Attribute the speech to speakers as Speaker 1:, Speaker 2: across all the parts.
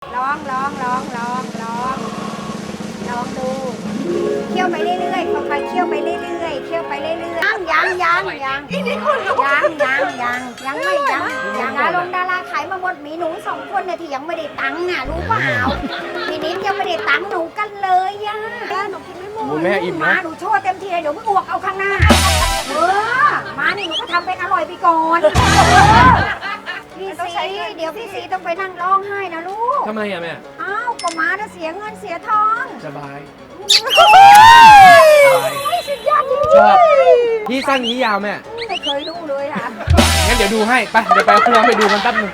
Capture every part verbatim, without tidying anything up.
Speaker 1: ลองลองลองลองลองลองดูเคี่ยวไปเรื่อยๆค่อยๆเคี่ยวไปเรื่อยๆเคี่ยวไปเรื่อยๆยังยังยังยังยังยังยังยังไม่ยังยังดารงดาราขายมาหมดมีหนูสองคนเนี่ยที่ยังไม่ได้ตังค์อ่ะรู้เปล่าพี่นิดยังไม่ได้ตังค์หนูกันเลยอ่ะหนูกินไม่หมด
Speaker 2: แม่อิ่มนะ
Speaker 1: มาหนูโชว์เต็มที่เลยเดี๋ยวมึงอ้วกเอาข้างหน้าเออมานี่หนูก็ทำเป็นอร่อยไปก่อนพี่ซีเดี๋ยวพี่ซีต้องไปนั่งร้องไห้นะลูก
Speaker 2: ทำไมอะแม่
Speaker 1: อ้าวก็มาจะเสียเงินเสียทอง
Speaker 2: สบาย
Speaker 1: สุดยอดจริง
Speaker 2: ชอบพี่สั้นนี้ยาวแม่
Speaker 1: ไม่เคยดูเลยอ่ะ
Speaker 2: งั้นเดี๋ยวดูให้ไปเดี๋ยวไปเอาเครื่องไปดูกันแป๊บนึง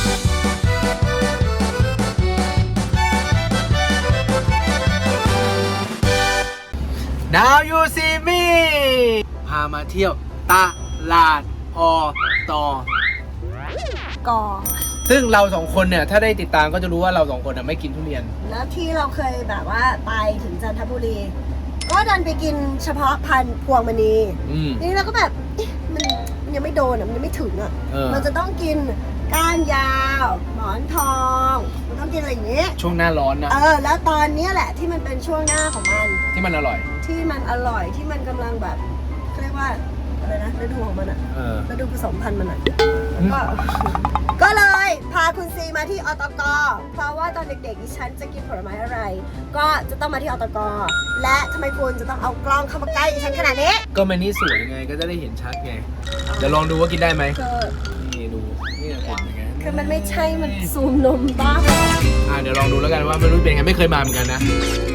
Speaker 2: Now you see me พามาเที่ยวตลาดอตอ
Speaker 1: ก่อ
Speaker 2: ซึ่งเราสองคนเนี่ยถ้าได้ติดตามก็จะรู้ว่าเราสองคนไม่กินทุเรียน
Speaker 3: แล้วที่เราเคยแบบว่าไปถึงจันทบุรี ก็ดันไปกินเฉพาะพันธุ์พวงมณี
Speaker 2: อืม
Speaker 3: นี่เราก็แบบเอ๊ะมันมันยังไม่โดนอ่ะมันยังไม่ถึงอ่ะ
Speaker 2: เออ
Speaker 3: มันจะต้องกินก้านยาว หมอนทองมันต้องกินอะไรอย่างเงี้ย
Speaker 2: ช่วงหน้าร้อนนะ
Speaker 3: เออแล้วตอนเนี้ยแหละที่มันเป็นช่วงหน้าของมัน
Speaker 2: ที่มันอร่อย
Speaker 3: ที่มันอร่อยที่มันกำลังแบบเขาเรียกว่าอะไรนะฤดูของมันอ่ะ
Speaker 2: เออ
Speaker 3: ฤดูผสมพันธุ์มันอ่ะ
Speaker 2: อืม
Speaker 3: ก็ ก็เลยพาคุณซีมาที่อตกเพราะว่าตอนเด็กๆดิฉันจะกินผลไม้อะไร ก็จะต้องมาที่อตกและทำไมคุณจะต้องเอากล้องเข้ามาใกล้ดิฉันขนาดนี้
Speaker 2: ก็มันนี่สวยไงก็จะได้เห็นชัดไง เดี๋ยวลองดูว่ากินได้ไหม
Speaker 3: คือ
Speaker 2: นี่ดูนี่เห็นยังไง
Speaker 3: คือมันไม่ใช่มันซูมนมบ้า
Speaker 2: อ่าเดี๋ยวลองดูแล้วกันว่าไม่รู้เป็นไงไม่เคยมาเหมือนกันนะ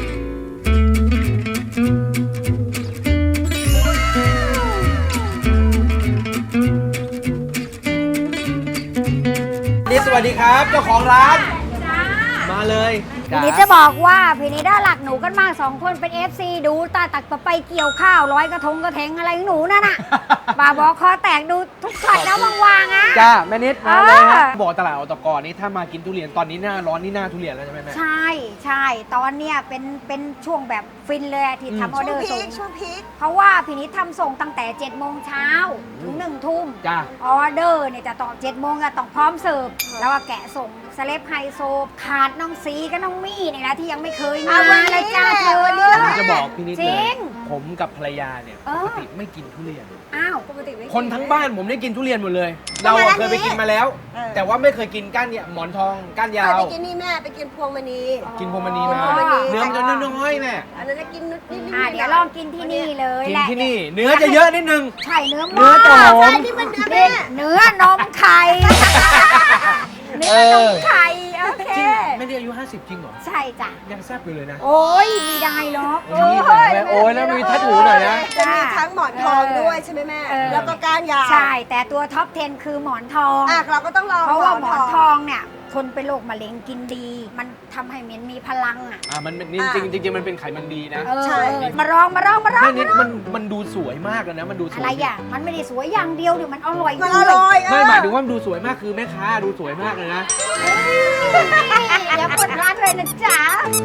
Speaker 2: นี่สวัสดีครับเจ้าของร้าน มาเลย
Speaker 1: พี่นิดจะบอกว่าพี่นิดได้หลักหนูกันมากสองคนเป็น เอฟ ซี ดูตาตักไปเกี่ยวข้าวร้อยกระทงกระแทงอะไรของหนูนั่นน่ะ บ่าบอกคอแตกดูทุกช็อตนะวางๆอ่ะ
Speaker 2: จ้าแม่นิดมาเลยฮะ
Speaker 1: เออ
Speaker 2: บอกตลาดอตกนี่ถ้ามากินทุเรียนตอนนี้หน้าร้อนนี่หน้าทุเรียนแล้วใช่ไหมแม่
Speaker 1: ใช่ใช่ตอนเนี้ยเป็นเป็นช่วงแบบฟินเลยอะที่
Speaker 2: อืม
Speaker 1: ทำออ
Speaker 3: ช่
Speaker 1: เด
Speaker 3: ว
Speaker 1: อง ร์
Speaker 3: พี
Speaker 1: ส่ง
Speaker 3: คช่วงพีค
Speaker 1: เพราะว่าพี่นิดทำส่งตั้งแต่เจ็ดโมงเช้าถึงหนึ่งทุ่ม
Speaker 2: จ้า
Speaker 1: ออเดอร์เนี่ยจะต่อเจ็ดโมงอะต้องพร้อมเสิร์ฟแล้วก็แกะส่งสเลปไฮโซขาดน้องซีกับน้องมี่เนี่ยนะที่ยังไม่เคยมาเลยจ้าเธอเนี่ย
Speaker 2: ผมจะบอกพี่นิด
Speaker 1: จ
Speaker 2: เล
Speaker 1: ริ
Speaker 2: ย
Speaker 1: ง
Speaker 2: ผมกับภรรยาเนี่ย
Speaker 1: เอ
Speaker 2: ป
Speaker 1: อ
Speaker 2: กติไม่กินทุเรียน
Speaker 1: อ้าว
Speaker 3: ปกติไม่
Speaker 2: คนทั้งบ้านผมได้กินทุเรียนหมดเลย เราอะเคยไปกินมาแล้ว แต่ว่าไม่เคยกินก้านเนี่ยหมอนทองก้านยา
Speaker 3: เคยว ไปกินนี่แม่ไปกินพวงมณี
Speaker 2: กินพวงมณีมา
Speaker 3: พวงมณี
Speaker 2: เนื้อมันจะน้อยๆแม่
Speaker 3: อันนั้นจะกินนิดนิด
Speaker 1: อ่าเดี๋ยวลองกินที่นี่เลย
Speaker 2: กิน
Speaker 1: แหละ
Speaker 2: ที่นี่ เนื้อจะเยอะนิดนึง
Speaker 1: ใช่เนื้อ
Speaker 2: เนื้อจะหอม
Speaker 3: ใช่นี่มันเนื้อแม่
Speaker 1: เนื้อนมไข่เนื้อนมไข่โอเค
Speaker 2: จริงไม่ได้อายุห้าสิบจริงเหรอ
Speaker 1: ใช่จ้ะ
Speaker 2: ยังแซ่บอยู่เลยนะ
Speaker 1: โอ้ยไม่ได้หรอก
Speaker 2: โอ้ยโอ้ยแล้วมีทัดหูหน่อยนะ
Speaker 3: จะมีทั้งหมอนทองด้วยใช่ไหมแม่
Speaker 1: เออ
Speaker 3: แล้วก็ก้านยาว
Speaker 1: ใช่ แต่ตัวท็อปสิบคือหมอนทอง
Speaker 3: อ่ะเราก็ต้องลอง
Speaker 1: เพราะว่าหมอนทองเนี่ย คนเป็นโรคมะเร็งกินดี มันทำให้มันมีพลังอ่ะ
Speaker 2: อ่ามันเป็นจริงจริงจริงๆมันเป็นไขมันดีนะ
Speaker 1: เออมาลองมาลองมาลอง
Speaker 2: แม่นิดมันมันดูสวยมากเลยนะ มันดูสวย
Speaker 1: อะไรอ่ะ มันไม่ได้สวยอย่างเดียวเดี๋ยวมันอร่อย
Speaker 3: มัน
Speaker 1: ด้
Speaker 3: อ
Speaker 1: วย
Speaker 3: ร่อย
Speaker 2: ไม่หมายถึงว่ามันดูสวยมากคือแม่ค้าดูสวยมากเลยนะ
Speaker 1: อย่าเปิดร้านเลยนะจ๊ะ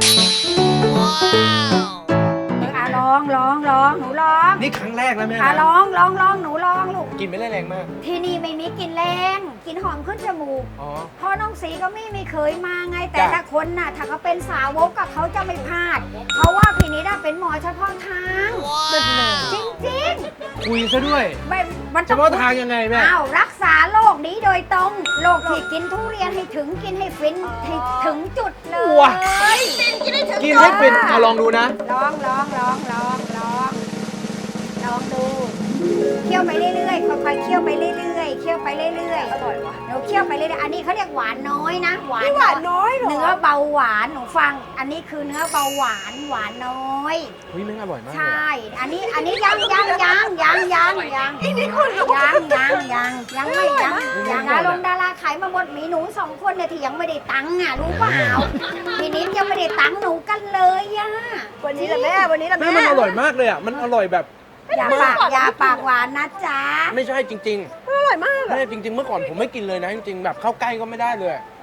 Speaker 1: อ่ะลองลองลองหนูลอง
Speaker 2: นี่ครั้งแรกแล้วแม่
Speaker 1: อ่ะ
Speaker 2: นะ
Speaker 1: ลองลองลองหนูลองลูก
Speaker 2: กินไม่ได้แรงมาก
Speaker 1: ที่นี่ไม่มีกลิ่นแรงกลิ่นหอมขึ้นจมูก
Speaker 2: อ๋อ
Speaker 1: เพราะน้องสีก็ไม่ไม่เคยมาไง แต่
Speaker 2: จ้ะ
Speaker 1: ถ้าคนน่ะ ถ้าเขาเป็นสาวกกับเขาจะไม่พลาด เพราะว่าพี่นิดาเป็นหมอเฉพาะทางจริงจริง
Speaker 2: คุยซะด้วย
Speaker 1: ๆไม่มัน
Speaker 2: เฉ
Speaker 1: ต้อง
Speaker 2: พาะทางยังไงแม่
Speaker 1: อ้าวรักษาโรคนี้โดยตรงโรคที่กินทุเรียนให้ถึงกินให้ฟินให้ถึงจุดเลย
Speaker 2: ว้า
Speaker 3: กินได้ถึง
Speaker 2: กินให้เป็นมาลองดูนะ
Speaker 1: ลองลองลองลองลองลองดูเคี่ยวไปเรื่อยๆค่อยๆเคี่ยวไปเรื่อยๆเคี่ยวไปเรื่อยๆอร่อยวะหนูเคี่ยวไปเรื่อยๆอันนี้เขาเรียกหวานน้อยนะหวาน
Speaker 3: นี่หวานน้อยเหรอ
Speaker 1: เนื้อเบาหวานหนูฟัง อันนี้คือเนื้อเบาหวานหวานน้อย
Speaker 2: เฮ้ยแม่งอร่อยมากเลย
Speaker 1: ใช่ อันนี้อันนี้ยังยังยังยังยังยังยังยังยังยังไม่ยังยังดารงดาราขายมาหมดมีหนูสองคนเนี่ยที่ยังไม่ได้ตังค์อ่ะรู้เปล่าพี่นิดยังไม่ได้ตังค์หนูกันเลยอ่ะ
Speaker 3: วันนี้แหละแม่วันนี้แหละ
Speaker 2: แม่
Speaker 3: แม่
Speaker 2: มันอร่อยมากเลยอ่ะ มันอร่อยแบบ
Speaker 1: อย่าปากอย่าปากหวานนะจ๊ะ
Speaker 2: ไม่ใช่จริง
Speaker 3: อร่อยมาก
Speaker 2: ๆแม่จริง ๆ เมื่อก่อนผมไม่กินเลยนะจริงๆแบบเข้าใกล้ก็ไม่ได้เลย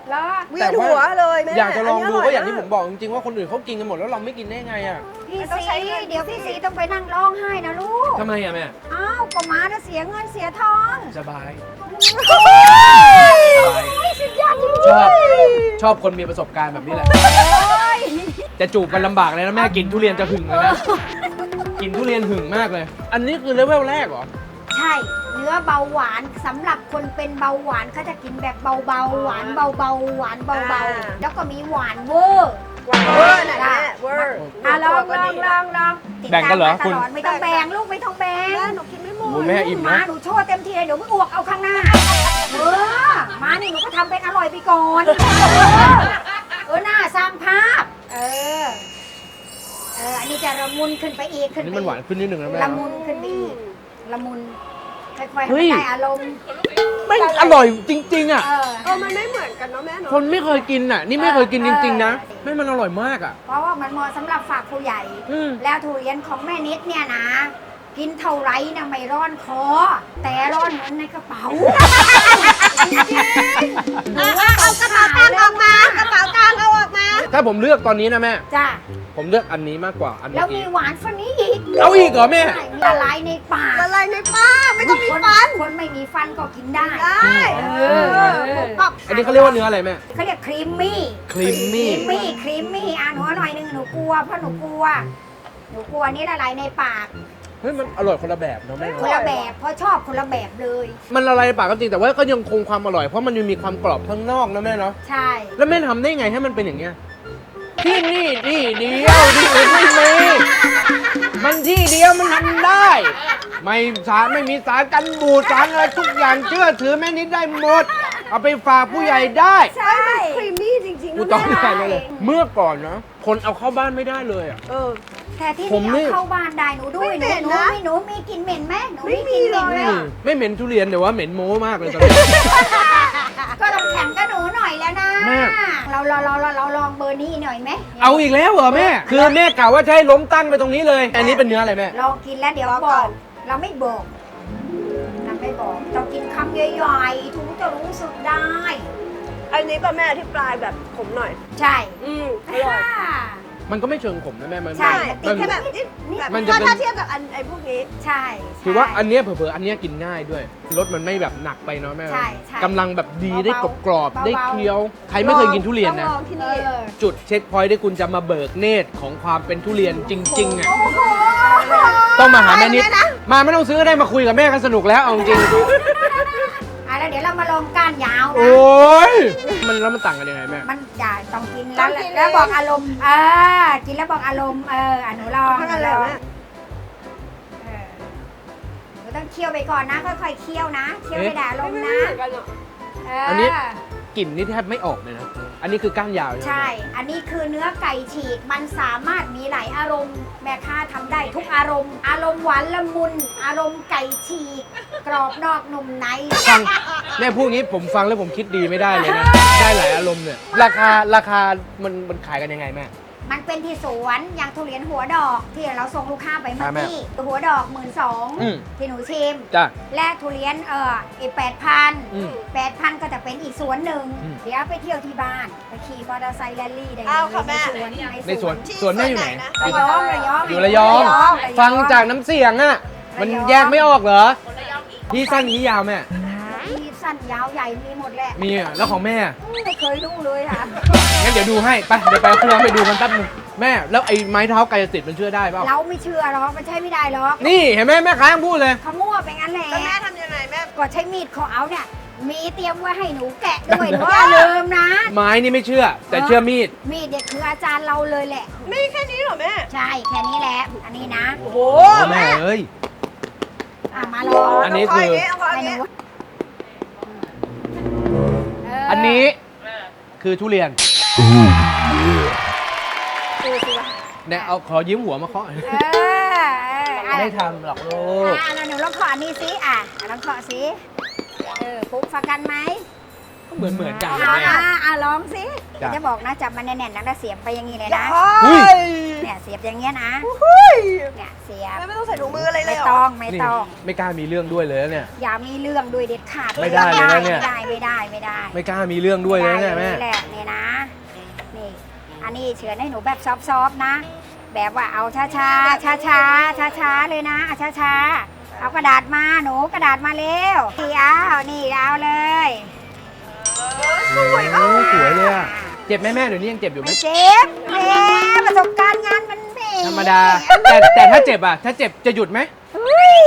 Speaker 1: แล้ว
Speaker 3: เวียนหัวเลยแม่
Speaker 2: อยากจะลองดู
Speaker 3: น
Speaker 2: ก็
Speaker 3: นี้
Speaker 2: อย่างที่ผมบอกจริงๆว่าคนอื่นเขากินกันหมดแล้วเราไม่กินได้ไงอ่ะ
Speaker 1: พี่
Speaker 3: ต้องใช้
Speaker 1: สี
Speaker 3: เงิน
Speaker 1: เดี๋ยวพี่สีต้องไปนั่งร้องไห้นะลูก
Speaker 2: ทำไมอ่ะแม่
Speaker 1: อ้าวก็มาจะเสียเงินเสียทอง
Speaker 2: สบาย
Speaker 1: โอ้ยสุดยอดจริง
Speaker 2: ชอบชอบคนมีประสบการณ์แบบนี้แหละ
Speaker 1: ๆย
Speaker 2: จะจูบกันลำบากเลยนะแม่กินทุเรียนจะหึงเลยนะ กินทุเรียนหึงมากเลย อันนี้คือเลเวลแรกเหรอ
Speaker 1: ใช่เนื้อเบาหวานสำหรับคนเป็นเบาหวานเขาจะกินแบบเบาๆหวานเบาๆหวานเบาๆแล้วก็มีหวานเวอร์
Speaker 3: หวานเวอร์น่ะแม่เวอร์
Speaker 1: อ่ะลองลองลองลองติด
Speaker 2: แบ่งกันเหรอ
Speaker 1: ตามมา
Speaker 2: คุณ
Speaker 1: ตลอดไม่ต้องแบ่งลูกไม่ต้องแบ่ง
Speaker 3: แม่หนูกินไม่หม
Speaker 2: โอ้
Speaker 3: ด
Speaker 2: ยแม่อิ่ม
Speaker 1: มา
Speaker 2: นะ
Speaker 1: หนูโชว์เต็มที่เลยเดี๋ยวมึงอ้วกเอาข้างหน้าเออมานี่หนูก็ทำเป็นอร่อยไปก่อนเออเออหน้าสร้างภาพ เออเอออันนี้จะละมุนขึ้นไปอีก
Speaker 2: อั
Speaker 1: ขึ้
Speaker 2: น
Speaker 1: น
Speaker 2: นี้
Speaker 1: ไป
Speaker 2: มันหวานขึ้นนิดหนึ่งนะแม่
Speaker 1: ละมุนขึ้นไปอีกละมุนค่อยๆ
Speaker 2: เฮ้
Speaker 1: ให้
Speaker 2: ย
Speaker 1: มันได้อารมณ์
Speaker 2: ไม่อร่อยจริง ๆ อ่ะ
Speaker 1: เออ
Speaker 3: เออมันไม่เหมือนกันเนาะแม่เนาะ
Speaker 2: คนไม่เคยกินอ่ะ นี่ไม่เคยกินจริง ๆ นะไม่มันอร่อยมากอ่ะ
Speaker 1: เพราะว่ามันเหมาะสำหรับฝากผู้ใหญ่
Speaker 2: อืม
Speaker 1: แล้วทุเรียนของแม่นิดเนี่ยนะ กินเท่าไรนะไม่ร้อนคอ แต่ร้อนเงินในกระเป๋าจริงๆหนูว่าเอากระเป๋าตังค์ออกมากระเป๋าตังค์เอาออกมา
Speaker 2: ถ้าผมเลือกตอนนี้นะแม่
Speaker 1: จ้ะ
Speaker 2: ผมเลือกอันนี้มากกว่าอัน
Speaker 1: แล้
Speaker 2: เมื่
Speaker 1: ว
Speaker 2: อ
Speaker 1: มี
Speaker 2: กี้
Speaker 1: หวานฟันนี้อีก
Speaker 2: เอาอีกเหรอแม่
Speaker 1: ใช่มีละลายในปาก
Speaker 3: ละลายในปากไม่ต้องมีฟัน
Speaker 1: คนไม่มีฟันก็กินได้
Speaker 3: ได้
Speaker 1: เอ
Speaker 3: เอ
Speaker 1: อ
Speaker 3: อกับ
Speaker 2: อันนี้เขาเรียกว่าเนื้ออะไรแม่
Speaker 1: เขาเรียกครีมมี่
Speaker 2: ครีมมี่
Speaker 1: ครีมมี่ครีมมี่อ่ะหนูเอาหน่อยหนึงหนูกลัวเพราะหนูกลัว หนูกลัวนี่ละลายในปาก
Speaker 2: เฮ้ยมันอร่อยคนละแบบเนาะแม่
Speaker 1: คนละแบบเพราะชอบคนละแบบเลย
Speaker 2: มันละลายในปากก็จริงแต่ว่าก็ยังคงความอร่อยเพราะมันยังมีความกรอบข้างนอกนะแม่เนาะ
Speaker 1: ใช่
Speaker 2: แล้วแม่ทำได้ไงให้มันเป็นอย่างเงี้ยที่นี่ที่เดียวที่อื่นไม่มีมันที่เดียวมันทำได้ ไม่สารไม่มีสารกันบูดสารอะไรทุกอย่างเชื่อถือแม่นิดได้หมด เอาไปฝากผู้ใหญ่ได้
Speaker 1: ใช่
Speaker 3: ครีมมี่จริงๆ
Speaker 2: กู
Speaker 3: นะ
Speaker 2: ต้อง
Speaker 3: แม่
Speaker 2: ใส่เลย เมื่อก่อนนะคนเอาเข้าบ้านไม่ได้เลยอ่ะ
Speaker 3: เออ
Speaker 1: แต่ที่
Speaker 2: ผมนี่
Speaker 1: นี่เอาเข้าบ้านได้หนูด้วย
Speaker 3: ไม่
Speaker 1: หนู
Speaker 3: เหม็น
Speaker 1: หนู
Speaker 3: นะ
Speaker 1: มีหนูมีกลินเหม็นไหมหนู
Speaker 3: ไม่
Speaker 1: มีกลินเหม็น
Speaker 3: มี
Speaker 1: ไหม
Speaker 3: เลยอะ
Speaker 2: ไม่เหม็นทุเรียนแต่ว่าเหม็นโม้มากเลยตอนนี้
Speaker 1: ก็ต้องแข่งกับหนูหน่อยแล้วนะ
Speaker 2: แม่
Speaker 1: เราเราเราเราเราลองเบอร์นี้หน่อยไหม
Speaker 2: เอาอีกแล้วเหรอแม่ คือแม่กล่าวว่าจะให้ล้มตั้งไปตรงนี้เลย อันนี้เป็นเนื้ออะไรแม่
Speaker 1: ลองกินแล้วเดี๋ยว
Speaker 3: ลอง
Speaker 1: บ
Speaker 3: ก่
Speaker 1: อ
Speaker 3: อก น
Speaker 1: เราไม่บอกเราไม่บอกต้องกินคำใหญ่ๆถึงจะรู้สึกได้
Speaker 3: อันนี้ป่ะแม่ที่ปลายแบบผมหน่อย
Speaker 1: ใช่
Speaker 3: อืมอร่อย
Speaker 2: มันก็ไม่เชิงขมนะแม่ มัน
Speaker 1: ใช่
Speaker 3: ติ
Speaker 2: มั
Speaker 3: ด
Speaker 2: น
Speaker 3: แค่แบบนิด
Speaker 1: นี่
Speaker 3: แบบ
Speaker 2: มันจะ
Speaker 3: ถ้า
Speaker 2: เป็น
Speaker 3: ถ้าเทียบกับอันไอ้พวกนี้
Speaker 1: ใช่
Speaker 2: ถือว่าอันเนี้ยเผลอๆอันเนี้ยกินง่ายด้วย รสมันไม่แบบหนักไปเนาะแม่
Speaker 1: ใช่ใช่
Speaker 2: กำลังแบบดีได้กรอบๆ
Speaker 1: เบาๆ
Speaker 2: ได้เคี้ยว ใครไม่เคยกินทุเรียนนะ
Speaker 3: ต้องลองที่
Speaker 1: เอ
Speaker 3: นี่
Speaker 1: อ
Speaker 2: จุดเช็คพอยต์ที่คุณจะมาเบิกเนตรของความเป็นทุเรียนจริงๆอ่ะ
Speaker 1: โอ้โห
Speaker 2: ต้องมาหาแม่นิด มาไม่ต้องซื้อก็ได้มาคุยกับแม่กันสนุกแล้วเอาจริง
Speaker 1: อ่ะแล้วเดี๋ยวเรามาลองก้านยาว
Speaker 2: โอ
Speaker 1: นะ
Speaker 2: ้ย มันแล้วมันต่างกันยังไงแม่
Speaker 1: มันอย่าต้องกิน
Speaker 3: ต้
Speaker 1: แล้ว
Speaker 3: องกิน
Speaker 1: แล้ว
Speaker 3: เลย
Speaker 1: บอกอารมณ์เออกินแล้วบอกอารมณ์เอออ่ะหนูลอง
Speaker 3: เท่านั้น
Speaker 1: ห
Speaker 3: แห
Speaker 1: นู
Speaker 3: ละ
Speaker 1: ลอง
Speaker 3: แม่
Speaker 1: เออหนูต้องเคี่ยวไปก่อนนะค่อยๆเคี่ยวนะเคี่ยวไปด่าลมณ์
Speaker 3: ไม่
Speaker 1: นะ
Speaker 3: เหมือนกันหรอก
Speaker 1: เ
Speaker 2: อันนี้ กลิ่นนี่แทบไม่ออกเลยนะ อันนี้คือก้านยาวใช่ไหม
Speaker 1: ใช่ อันนี้คือเนื้อไก่ฉีก มันสามารถมีหลายอารมณ์ แม่ค้าทำได้ทุกอารมณ์ อารมณ์หวานละมุน อารมณ์ไก่ฉีก กรอบนอกนุ่มใน
Speaker 2: ฟังแม่พูดงี้ผมฟังแล้วผมคิดดีไม่ได้เลยนะ ได้หลายอารมณ์เนี่ย ราคาราคามันมันขายกันยังไงแม่
Speaker 1: มันเป็นที่สวนอย่างทุเรียนหัวดอก ที่เราส่งลูกค้าไปเมื่อ
Speaker 2: อ่าแม่
Speaker 1: กี้หัวดอกหมื่นสอง
Speaker 2: อืม
Speaker 1: ที่หนูชิม
Speaker 2: จ้ะ
Speaker 1: และทุเรียนเอออีกแปดพัน
Speaker 2: อืม
Speaker 1: แปดพันก็จะเป็นอีกสวนหนึ่ง
Speaker 2: อืม
Speaker 1: เดี๋ยวไปเที่ยวที่บ้าน ไปขี่มอเตอร์ไซค์แรลลี่ได้
Speaker 3: เอาค่ะแม่
Speaker 1: ในสวน
Speaker 2: ในสวน สวนแม่อยู่ไหน
Speaker 1: ระยองระยอง
Speaker 2: อยู่ระยอง ฟังจากน้ำเสียงอะมันแยกไม่ออกเหรอ พี่สั้นพี่ยาวแม่
Speaker 1: มีสั้นยาวใหญ่มีหมดแหละ
Speaker 2: มีอะแล้วของแม่
Speaker 1: ไม่เคยดูเลยค่ะ
Speaker 2: งั้นเดี๋ยวดูให้ ไป เดี๋ยวไปเอาเครื่องไปดูกันแป๊บนึงแม่ แล้วไอ้ไม้เท้ากายสิทธิ์มันเชื่อได้เปล่า
Speaker 1: เราไม่เชื่อหรอกมันใช่ไม่ได้หรอก
Speaker 2: นี่เห็นไหมแม่ค้ายังพูดเลย
Speaker 1: เขามั่วไปงั้นแหละ
Speaker 3: แล้วแม่ทำยังไงแม่
Speaker 1: ก็ใช้มีดของเอาเนี่ย มีเตรียมไว้ให้หนูแกะด้วยหนูอย่าลืมนะ
Speaker 2: ไม้นี่ไม่เชื่อ แต่เชื่อมีด
Speaker 1: มีดเนี่ยคืออาจารย์เราเลยแหละ
Speaker 3: มีแค่นี้เหรอแม่
Speaker 1: ใช่แค่นี้แหละ อันนี้นะ
Speaker 3: โอ้โห
Speaker 2: แม่เอ้ย
Speaker 1: อ่ะมาลอง
Speaker 2: อันนี้คือ
Speaker 3: เอาพอ
Speaker 1: ให้
Speaker 3: ย่าง
Speaker 1: หนู
Speaker 3: นี้
Speaker 1: เ
Speaker 2: อันนี้คือทุเรียน
Speaker 1: ดูสิวะ
Speaker 2: เนี่ยเอาขอยิ้มหัวมาเคาะ
Speaker 1: เออเอออ่ะ
Speaker 2: ไม่ทำหรอกลูก
Speaker 1: อ่ะแล้วหนูลองเคาะอันนี้สิอ่ะลองเคาะสิเออปุ๊บฟักกันไหม
Speaker 3: ป
Speaker 2: เหมือนเหมือนกัน
Speaker 1: อ่า
Speaker 2: แม่
Speaker 1: อ่าลองสิ
Speaker 2: จ้ะ
Speaker 1: จะบอกนะจับมันแน่นๆนะแล้วเสียบไปอย่างนี้เลยนะ
Speaker 2: อุ้ย
Speaker 1: เนี่ยเสียบอย่างเงี้ยนะ
Speaker 3: เฮ้ย
Speaker 1: เนี่ยเสียบ
Speaker 3: ไม่ต้องใส่ถุงมืออะไรเล
Speaker 1: ไม่
Speaker 3: ยเหร
Speaker 1: ต้
Speaker 3: อ
Speaker 1: องไม่
Speaker 2: นี่
Speaker 1: ต้อง
Speaker 2: ไม่กล้ามีเรื่องด้วยเลยนะเนี่ย
Speaker 1: อย่ามีเรื่องด้วยเด็ดขาด
Speaker 2: ไม่ได้เลยนะเนี่ย
Speaker 1: ไม่ได้ไม่ได้ไม่ได้
Speaker 2: ไม่กล้ามีเรื่องด้วยเลย
Speaker 1: ไม่
Speaker 2: นะ
Speaker 1: ได้
Speaker 2: แม่
Speaker 1: นี่แหละนี่นะนี่อันนี้เฉือนให้หนูแบบซอฟๆนะ แบบว่าเอาช้าช้าช้าช้าช้าช้าๆเลยนะช้าช้าๆเอากระดาษมาหนูกระดาษมาเร็วนี่เอานี่เอาเลย
Speaker 2: โอ้สวยเลยอะเจ็บไหมแม่เดี๋ยวนี้ยังเจ็บอยู่ไหม
Speaker 1: ไม่เจ็บแหมประสบการณ์งานมันแหม
Speaker 2: ธรรมดา แต่แต่ถ้าเจ็บอะถ้าเจ็บจะหยุดไหม
Speaker 1: เฮ้ย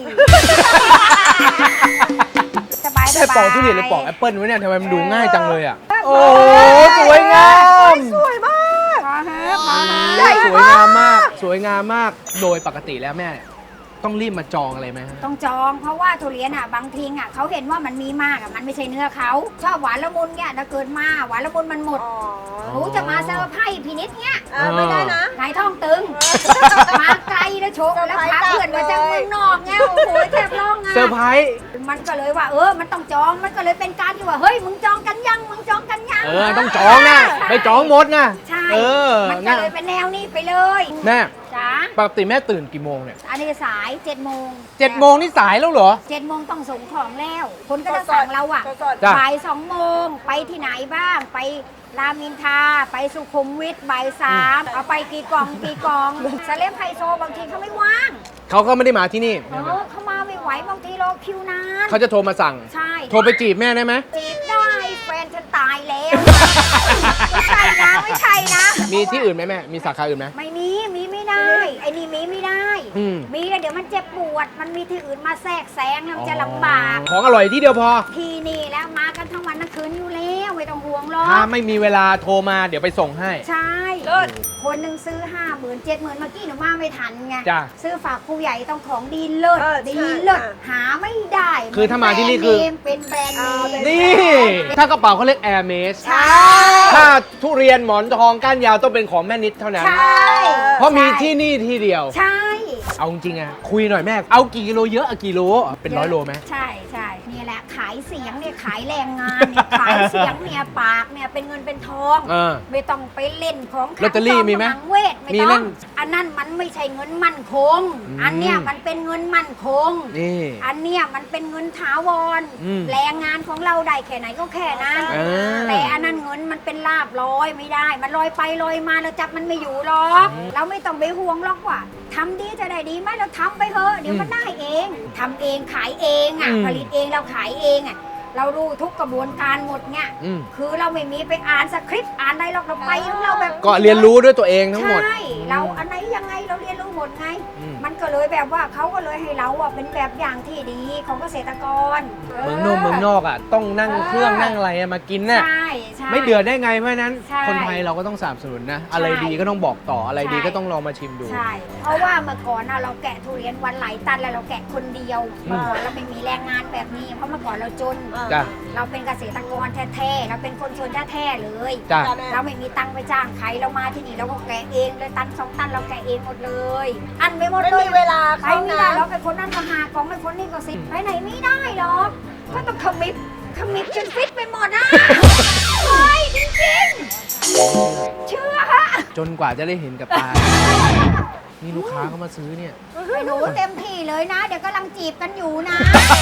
Speaker 1: สบายส
Speaker 2: แค่
Speaker 1: บาย
Speaker 2: ปอกทุเรียนหรือปอกแอปเปิ้ลวะเนี่ยทำไมมันดูง่ายจังเลยอะโอ้สวยงาม
Speaker 3: สวยมาก
Speaker 1: พอเถอะพอเถ
Speaker 2: ใหญ่
Speaker 1: อะ
Speaker 2: สวยงามมาก สวยงามมาก โดยปกติแล้วแม่ ต้องรีบมาจองอะไรไหมฮะ
Speaker 1: ต้องจองเพราะว่าทุเรียนอ่ะบางทีอ่ะเขาเห็นว่ามันมีมากอ่ะมันไม่ใช่เนื้อเขาชอบหวานละมุนเนี่ยถ้าเกิดมาหวานละมุนมันหมด
Speaker 3: อ๋อ
Speaker 1: หนูจะมาเซอร์ไพรส์พินิษเนี่ย
Speaker 3: อ่าไม่ได้นะ
Speaker 1: ไหนท้องตึง มาไกลนะโชว์แล้วพาเพื่อนมาจากเมืองนอกไงโอ้โหแทบร้องอ่ะ
Speaker 2: เซอร์ไพรส์
Speaker 1: มันก็เลยว่าเออมันต้องจองมันก็เลยเป็นการที่ว่าเฮ้ยมึงจองกันยังมึงจองกันยัง
Speaker 2: เออ ต้องจองนะไม่จองหมดนะ
Speaker 1: ใช่
Speaker 2: เออ
Speaker 1: มันก็
Speaker 2: นะ
Speaker 1: เลยเป็นแนวนี้ไปเลย
Speaker 2: แม่
Speaker 1: จ้า
Speaker 2: ปกติแม่ตื่นกี่โมงเนี่ย
Speaker 1: อันนี้สายเจ็ดโมง
Speaker 2: เจ็ดโมงนี่สายแล้วเหรอ
Speaker 1: เจ็ดโมงต้องส่งของแล้ว คนก็จะสั่งเราอ่ะ
Speaker 3: สด
Speaker 2: จ้ะ
Speaker 1: บ่ายสองโมงไปที่ไหนบ้าง ไปรามอินทราไปสุขุมวิทบ่ายสามเอาไปกี่กล่องกี่กล่องสเลปไฮโซบางทีเขาไม่ว่าง
Speaker 2: เขาก็ไม่ได้มาที่นี่
Speaker 1: เออเขามาไม่ไหวบางทีรอคิวนาน
Speaker 2: เขาจะโทรมาสั่ง
Speaker 1: ใช่
Speaker 2: โทรไปจีบแม่ได้ไหม
Speaker 1: จีบได้แฟนฉันตายแล้ว ไม่ใช่นะไม่ใช่นะ
Speaker 2: มีที่อื่นไหมแม่ มีสาขาอื่นไหม
Speaker 1: ไม่มีมีไม่ได้ ไอ้นี่มีไม่ได้
Speaker 2: อืม
Speaker 1: มีแล้วเดี๋ยวมันเจ็บปวด มันมีที่อื่นมาแทรกแซงแล้วมันจะลำบาก
Speaker 2: ของอร่อยที่เดียวพอ
Speaker 1: ที่นี่แล้วมากันทั้งวันทั้งคืนอยู่แล้วไม่ต้องห่วงหรอก
Speaker 2: ถ้าไม่มีเวลาโทรมาเดี๋ยวไปส่งให้
Speaker 1: ใช่
Speaker 3: เลิศ
Speaker 1: คนหนึ่งซื้อห้าหมื่นเจ็ดหมื่นเมื่อกี้หนูมาไม่ทันไง
Speaker 2: จ้ะ
Speaker 1: ซื้อฝากผู้ใหญ่ต้องของดีเลิศ
Speaker 3: เออ
Speaker 1: ดี
Speaker 3: ใช่
Speaker 1: เลิศ
Speaker 3: ค่ะ
Speaker 1: หาไม่ได้
Speaker 2: คือถ้ามาที่นี่คือ
Speaker 1: เป็นแบรนด์เนม
Speaker 3: เอา
Speaker 1: เป็น
Speaker 3: เลย
Speaker 1: แบรนด์เนม
Speaker 2: นี่ ถ้ากระเป๋าเขาเรียก Air m a s
Speaker 1: ใช่
Speaker 2: ถ้าทุเรียนหมอนทองก้านยาวต้องเป็นของแม่นิดเท่านั้น
Speaker 1: ใช่
Speaker 2: เพราะมีที่นี่ที่เดียว
Speaker 1: ใช่
Speaker 2: เอาจริงๆอะคุยหน่อยแม่ เอากี่กิโลเยอะอะกี่โลเป็นร้อยโลไหม
Speaker 1: ใช่ใช่นี่แหละขายเสียงเนี่ยขายแรงงานเนี่ยขายเสียงเนี่ยปากเนี่ยเป็นเงินเป็นทอง
Speaker 2: เออ
Speaker 1: ไม่ต้องไปเล่นของ
Speaker 2: ลอตเตอรี่มีไหม
Speaker 1: ขังเวทไม่
Speaker 2: มี
Speaker 1: ต้
Speaker 2: เล่
Speaker 1: อง
Speaker 2: น
Speaker 1: อันนั้นมันไม่ใช่เงินมั่นคง
Speaker 2: อืม
Speaker 1: อันเนี้ยมันเป็นเงินมั่นคง
Speaker 2: นี่
Speaker 1: อันเนี้ยมันเป็นเงินถาวร
Speaker 2: อืม
Speaker 1: แรงงานของเราได้แค่ไหนก็แค่นั้น
Speaker 2: เออ
Speaker 1: แต่อันนั้นเงินมันเป็นลาบลอยไม่ได้ มันลอยไปลอยมาเราจับมันไม่อยู่หรอก
Speaker 2: อืม
Speaker 1: เราไม่ต้องไปห่วงหรอกว่าทำดีจะได้ดีไหมเราทำไปเถอะเดี๋ยวมันได้เองทำเองขายเองอ่ะ
Speaker 2: อืม
Speaker 1: ผลิตเองเราขายเองอ่ะเรารู้ทุกกระบวนการหมดเนี่ย
Speaker 2: อืม
Speaker 1: คือเราไม่มีไปอ่านสคริปต์อ่านอะไรหรอกเราไปของเราแบบ
Speaker 2: ก็เรียนรู้ด้วยตัวเองทั้งหมด
Speaker 1: ใช่เราอันไหนยังไงเราเรียนรู้หมดไง
Speaker 2: อืม
Speaker 1: มันก็เลยแบบว่าเขาก็เลยให้เราอ่ะเป็นแบบอย่างที่ดีของเกษตรกร
Speaker 2: เมืองนอกเมืองนอกอ่ะต้องนั่งเครื่องนั่งอะไรอะมากินน่ะ
Speaker 1: ใช่ใช่
Speaker 2: ไม่เดือดได้ไงเพราะฉะนั้น
Speaker 1: ใช่
Speaker 2: คนไทยเราก็ต้องสนับสนุนนะ อะไรดีก็ต้องบอกต่ออะไรดี
Speaker 1: ใช่
Speaker 2: ก็ต้องลองมาชิมดู
Speaker 1: ใช่ เพราะว่าเมื่อก่อนน่ะเราแกะทุเรียนวันหลายตันแล้วเราแกะคนเดียว
Speaker 2: อืม
Speaker 1: เมื่อก่อนเราไม่มีแรงงานแบบนี้ เพราะเมื่อก่อนเราจน
Speaker 2: จ้ะ
Speaker 1: เราเป็นเกษตรกรแท้ๆเราเป็นคนชนแท้ๆเลย
Speaker 2: จ้ะ
Speaker 3: จ้ะแม่
Speaker 1: เราไม่มีตังค์ไปจ้างใครเรามาที่นี่เราก็แกะเองเลยตันสองตันเราแกะเองหมดเลย อันไปหมด
Speaker 3: ไม่
Speaker 1: เลย
Speaker 3: มีเวลา
Speaker 1: ไป
Speaker 3: เข้า
Speaker 1: ไม่
Speaker 3: นะ
Speaker 1: ได้เราเป็นคนนั้นก็หากองเป็นคนนี้ก็สิบไปไหนไม่ได้หรอกก็ต้องขมิบขมิบจนฟิตไปหมดอ่ะเฮ้ยจริงๆเชื่อฮะ
Speaker 2: จนกว่าจะได้เห็นกับตา นี่ลูกค้าเขามาซื้อเนี่ย
Speaker 1: ไอ้หนูเต็มที่เลยนะ เดี๋ยวกำลังจีบกันอยู่นะ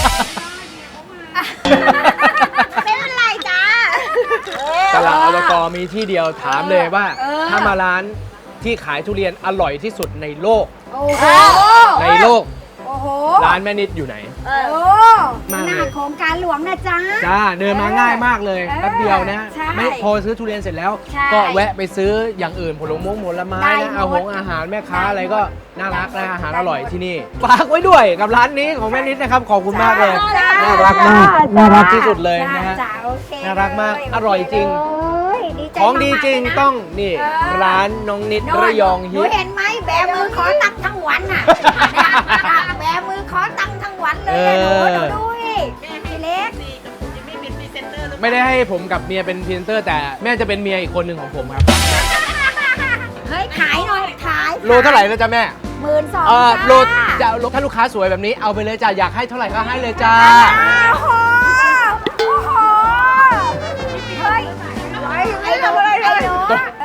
Speaker 1: ไม่เป็นไรจ้า
Speaker 2: ตลาดอลกอมีที่เดียวถามเลยว่า
Speaker 1: เออ
Speaker 2: ถ้ามาร้านที่ขายทุเรียนอร่อยที่สุดในโลก
Speaker 1: โอ้โห
Speaker 2: ในโลก
Speaker 1: โอ้โห
Speaker 2: ร้านแม่นิดอยู่ไหน
Speaker 3: เอ
Speaker 1: โอ้
Speaker 3: อ
Speaker 1: หน้าโครงการหลวงนะจ๊ะ
Speaker 2: จ้าเดินมาง่ายมากเลย
Speaker 1: เออ
Speaker 2: แป๊บเดียวนะ
Speaker 1: ใช่
Speaker 2: ไม่พอซื้อทุเรียนเสร็จแล้ว
Speaker 1: ใช่
Speaker 2: ก็แวะไปซื้ออย่างอื่นผลไม้ผลไม้
Speaker 1: ได้
Speaker 2: นะ
Speaker 1: หมด
Speaker 2: เอาหงอาหารแม่ค้า
Speaker 1: ได้
Speaker 2: อะไรก็
Speaker 1: หมด
Speaker 2: น่ารัก
Speaker 1: ได้
Speaker 2: นะ
Speaker 1: หมด
Speaker 2: อาหาร
Speaker 1: ได้
Speaker 2: อร่อย
Speaker 1: หมด
Speaker 2: ที่นี่ฝากไว้ด้วยกับร้านนี้ของแม่นิดนะครับขอบคุณมากเลย
Speaker 1: จ้า
Speaker 2: น่ารักมาก
Speaker 1: จ้
Speaker 2: น่ารักที่สุดเลยนะฮะ
Speaker 1: จ้าโอเค
Speaker 2: น่ารักมาก
Speaker 1: เลย
Speaker 2: อร่อยจริง
Speaker 1: โอ้ยดีใจ
Speaker 2: ของดี
Speaker 1: มากๆ
Speaker 2: จริง
Speaker 1: เลยนะ
Speaker 2: ต้องนี่
Speaker 1: เออ
Speaker 2: ร้านน้องนิด
Speaker 1: โน่น
Speaker 2: ระยอง
Speaker 1: ห
Speaker 2: ฮิ
Speaker 1: นู
Speaker 2: ต
Speaker 1: เห็นไหมแบมือขอตังค์ทั้งวันน่ะนะแบมือขอตังค์ทั้งวันเลยอะหนูหนูดูดิพี่เล็ก
Speaker 2: ไม่ได้ให้ผมกับเมียเป็นพรีเซนเตอร์ แต่แม่จะเป็นเมียอีกคนหนึ่งของผมครับ
Speaker 1: เฮ้ยขายหน่อยขาย
Speaker 2: โลเท่าไหร่แล้วจ้ะแม่
Speaker 1: หมื่นสอง
Speaker 2: เออโล
Speaker 1: จ้า
Speaker 2: จะถ้าลูกค้าสวยแบบนี้เอาไปเลยจ้ะอยากให้เท่าไหร่ก็ให้เลยจ้า
Speaker 1: โอ้โหโอ้โห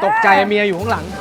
Speaker 2: ตกใจเมียอยู่ข้างหลัง